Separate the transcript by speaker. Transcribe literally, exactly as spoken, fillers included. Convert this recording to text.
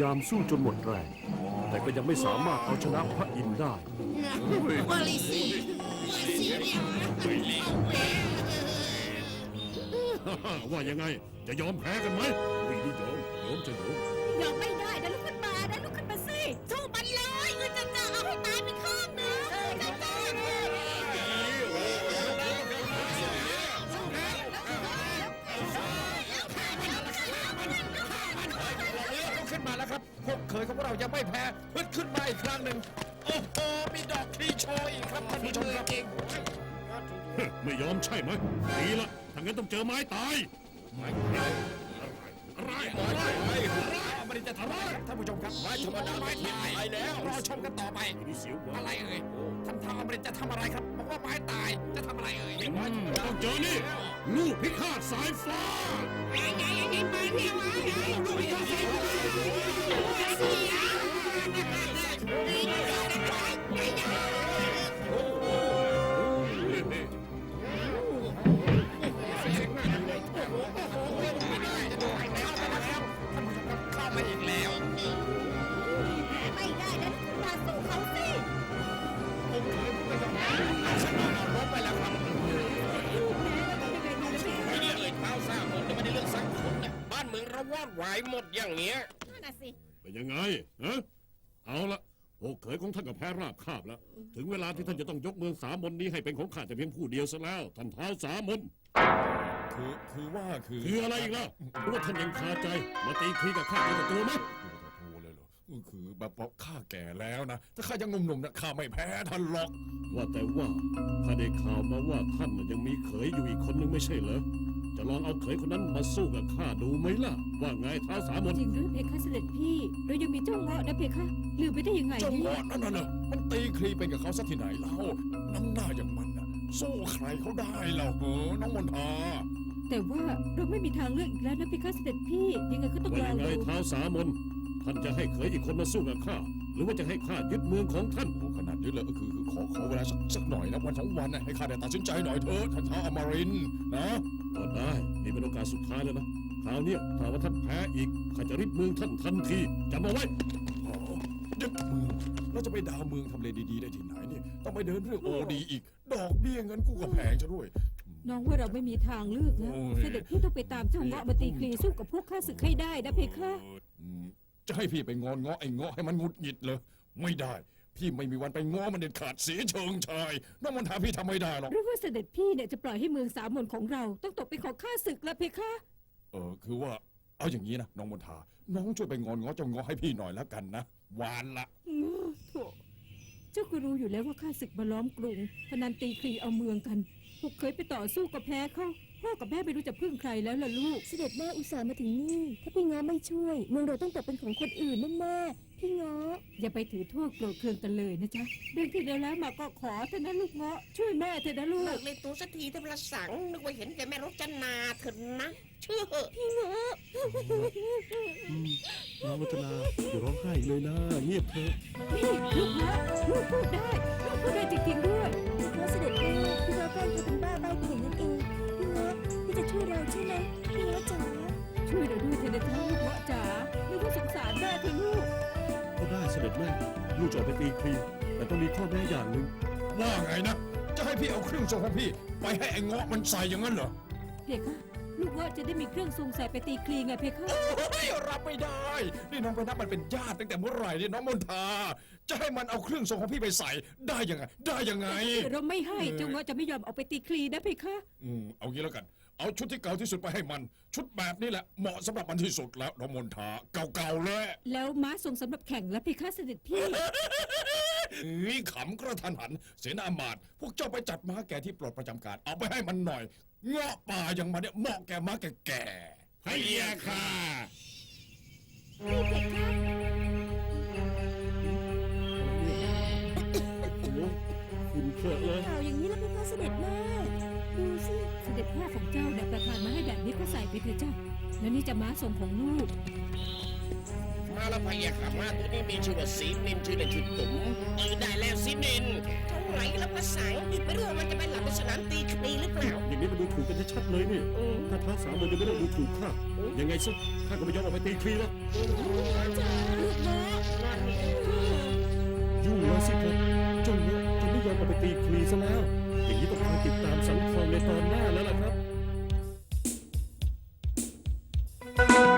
Speaker 1: ามสู้จนหมดแรงแต่ก็ยังไม่สามารถเอาชนะพระอินทร์ได้
Speaker 2: วาลิซีวาลิซี
Speaker 1: ว่ายังไงจะยอมแพ้กันไหมไม่ได้ยอมยอมจะยอม
Speaker 2: ยอมไม่ได้นะลุกขึ้นมานะลุกขึ้นมาสิสู้มันเลยเออจะจะเอาให้ตายไปข้างหนึงจะจะ
Speaker 3: ขึ้นมาแล้วครับพวกเคยของพวกเรายังไม่แพ้ฮึดขึ้นมาอีกครั้งหนึ่งโอ้โหมีดอกคลีโชว์อีกครับท่านผู้ชมครับ
Speaker 1: ไม่ยอมใช่ไหมดีละถ้างั้นต้องเจอไม้ตาย
Speaker 3: ไม่อะไรอะไรอะไรมันจะทำอะไรท่านผู้ชมครับไม้ธรรมดาไม้ตายแล้วรอชมกันต่อไป
Speaker 1: นี่เสียวกว่า
Speaker 3: อะไรเอ่ยทำทางอเมริกจะทำอะไรครับบอกว่าไม้ตายจะทำอะไรเอ่ย
Speaker 1: ต้องเจอนี่ลูกพิฆาตสายฟ้า
Speaker 3: เข้ามาอีกแล้ว
Speaker 2: ไม่ได้นะลุกขึ้นมาสู้เขาสิ
Speaker 3: ผมเคยไม่ยอมชนะเราลบไปแล้วครับไม่ได้เอ่ยเท้าซ่าหมดไม่ได้เรื่องสักคนนะบ้านเมืองเราวอดวายหมดอย่างเนี้ย
Speaker 2: นั่นน่ะสิ
Speaker 1: เป็นยังไงฮะเอาละโอ้เขยของท่านกับแพ้ราบคาบแล้ว ถึงเวลาที่ท่านจะต้องยกเมืองสามมนนี้ให้เป็นของข้าแต่เพียงผู้เดียวซะแล้วท่านเท้าสามมน
Speaker 4: คือคือว่าคือ
Speaker 1: คืออะไรอีกล่ะหรือว่าท่านยังคาใจมาตีคลีกับข้าเป็นศัตรูไหม
Speaker 4: โอ้เลยเหรอคือแบบว่าข้าแก่แล้วนะถ้าข้ายังหนุ่มๆนะข้าไม่แพ้ท่านหรอก
Speaker 1: ว่าแต่ว่าข้าได้ข่าวมาว่าท่านน่ะยังมีเขยอยู่อีกคนนึงไม่ใช่เหรอจะลองเอาเขยคนนั้นมาสู้กับข้าดูไหมล่ะ ว่าไงเท้าสามมน
Speaker 5: จริงหรือเพคะเสด็จพี่เรายังมีเจ้าเงาะนะเพคะลืมไปได้ยังไง
Speaker 4: เจ้า
Speaker 5: เนี่
Speaker 4: เงาะ
Speaker 5: ย
Speaker 4: นั่นน่ะนะมันตีคลีเป็นกับเขาสักที่ไหนเล่าน้ำหน้าอย่างมันน่ะสู้ใครเขาได้เราเหรอน้องมนทา
Speaker 5: แต่ว่าเราไม่มีทางเลือกอีกแล้วนะเพคะเสด็จพี่ยังไงก็ต้อง
Speaker 1: ว่า
Speaker 5: ลอ
Speaker 1: ยัง งไง
Speaker 5: ดู
Speaker 1: เท้าสามนท่านจะให้เขยอีกคนมาสู้กับข้าหรือว่าจะให้ข้ายึดเมืองของท่าน
Speaker 4: โอ้ขนาดนี้เลยก็คือคือขอขอเวลาสักสักหน่อยนะวันสองวันนะให้ข้าได้ตัดสินใจหน่อยเถอะท่านท้าอมรินทร์นะ
Speaker 1: ก็ได้นี่เป็นโอกาสสุดท้ายแล้วนะคราวเนี้ยถ้าว่าท่านแพ้อีกข้าจะริบเมืองท่านทันทีจำเอาไว้
Speaker 4: อ๋อยึดเมืองแล้วจะไปดาวเมืองทำเลดีๆได้ที่ไหนเนี่ยต้องไปเดินเรื่องโอดีอีก ดอกเบี้ยเงินกู้ก็แพงซะด้วย
Speaker 5: น้องว่าเราไม่มีทางเลือกแล้ว
Speaker 4: โอ้ย
Speaker 5: เสด็จพี่ต้องไปตามเจ้าเงาะมาตีคลีสู้กับพวกข้าศึกให้ได้นะเพคะ
Speaker 4: อืมจะให้พี่ไปงอนเงาะไอ้เงาะให้มันหงุดหงิดเลยไม่ได้ พี่ไม่มีวันไปง้อมันเด็ดขาดเสียเชิงชายน้องมนทาพี่ทำไม่ได้หรอก
Speaker 5: หรือว่าเสด็จพี่เนี่ยจะปล่อยให้เมืองสามมนของเราต้องตกเป็นของข้าศึกละเพคะ
Speaker 4: เออคือว่าเอาอย่างนี้นะน้องมนทา น้องช่วยไปงอนเงาะเจ้าเงาะให้พี่หน่อยแล้วกันนะหวานละ
Speaker 5: อืมโถเจ้าก็รู้อยู่แล้วว่าข้าศึกมาล้อมกรุงพนันตีคลีเอาเมืองกันพวกเคยไปต่อสู้กับแพ้เขาพ่อกับแม่ไม่รู้จะพึ่งใครแล้วล่ะลูก
Speaker 6: เสด็จแม่อุตส่าห์มาถึงนี่ ถ้าพี่ง้อไม่ช่วย เมืองเราต้องตกเป็นของคนอื่นแน่ๆพี่ง้อ
Speaker 5: อย่าไปถือโทษโกรธเคืองกันเลยนะจ๊ะเรื่องที่แล้วมาก็ขอเถอะนะลูกเงาะช่วยแม่เถอะนะลู
Speaker 2: เลิ
Speaker 5: ก
Speaker 2: กเลยตัวสักทีเถอะประสังนึกว่าเห็นแกแม่รจนาเถอะนะเชื่อเหอะ
Speaker 6: พี่ง้อ
Speaker 1: น้องรัตนาอย่าร้องไห้เลยนะเงียบเถอะ
Speaker 5: นี่ลูกเงาะลูกพูดได้ลูกพูดได้จริงๆด้วย
Speaker 6: เพราะเสด็จแม่พี่ง้อแกล้งจะเป็นบ้าใบ้ไปอย่างนั้นเองพี่ง้อพี่จะช่วยเราใช่ไหมพี่ง้อจ๋า
Speaker 5: ช่วยเราด้วยเถอะนะจ๊ะลูกเงาะจ๋าลูกก็สงสารแม่เถอะลูก
Speaker 1: ก็ได้เสด็จแม่ลูกจะออกไปตีคลีแต่ต้องมีข้อแม้อย่างหนึ่ง
Speaker 4: ว่าไงนะ จะให้พี่เอาเครื่องทรงของพี่ ไปให้ไอ้เงาะมันใส่อย่างนั้นเหรอ
Speaker 5: เพคะลูกเงาะจะได้มีเครื่องทรงใส่ไปตีคลีไงเพคะ
Speaker 4: เฮ้ยรับไม่ได้ นี่น้องไปนับมันเป็นญาติตั้งแต่เมื่อไหร่เนี่ยน้องมนทา จะให้มันเอาเครื่องทรงของพี่ไปใส่ได้ยังไง ได้ยังไง
Speaker 5: เราไม่ให้เจ้าเงาะจะไม่ยอมเอาไปตีคลีนะเพคะ
Speaker 4: อืมเอางี้แล้วกัน เอาชุดที่เก่าที่สุดไปให้มัน ชุดแบบนี้แหละเหมาะสำหรับมันที่สุดแล้วน้องมนทา เก่าๆเลย
Speaker 5: แล้วม้าทรงสำหรับแข่งและเพคะเสด็จพี่
Speaker 4: นี่ขำกระทันหัน เสนาอำมาตย์พวกเจ้าไปจัดม้าแก่ที่ปลดประจำการ เอาไปให้มันหน่อย เงาะป่าอย่างมันเนี่ยเหมาะแก่ม้าแก่ๆ
Speaker 1: พะยาค่ะ
Speaker 6: พี่เพคะ
Speaker 1: โอ้โหคุณเคอะเลย
Speaker 6: ข่าวอย่างนี้แล้วพี่ง้อเสด็จแม่ดูสิ
Speaker 5: เสด็จพ่อของเจ้าเนี่ยประทานมาให้แบบนี้ก็ใส่ไปเถอะเจ้า แล้วนี่จะม้าทรงของลูก
Speaker 3: มาแล้วพะยะค่ะม้าตัวนี้มีชื่อว่าสีนินชื่อเล่นชื่อตุ๋มเออได้แล้วสีนิน
Speaker 2: เท่าไหร่แล้วภาษาไม่รู้ว่ามันจะไปหลับในสนามตีคดีหรือเปล่า
Speaker 1: อย่างนี้มันดูถูกกันชัดๆเลยนี่
Speaker 2: อืม
Speaker 1: ถ้าท้าสามวันยังไม่ต้องดูถูกข้ายังไงซะข้าก็ไม่ยอมออกไปตีคลีแล้ว
Speaker 2: ลูกเนาะนั่นนี่
Speaker 1: ยุ่งแล้วสิครับเจ้าเนี้ยจะไม่ยอมออกไปตีคลีซะแล้ว อย่างนี้ต้องคอยติดตามสังคมในตอนหน้าแล้วล่ะครับ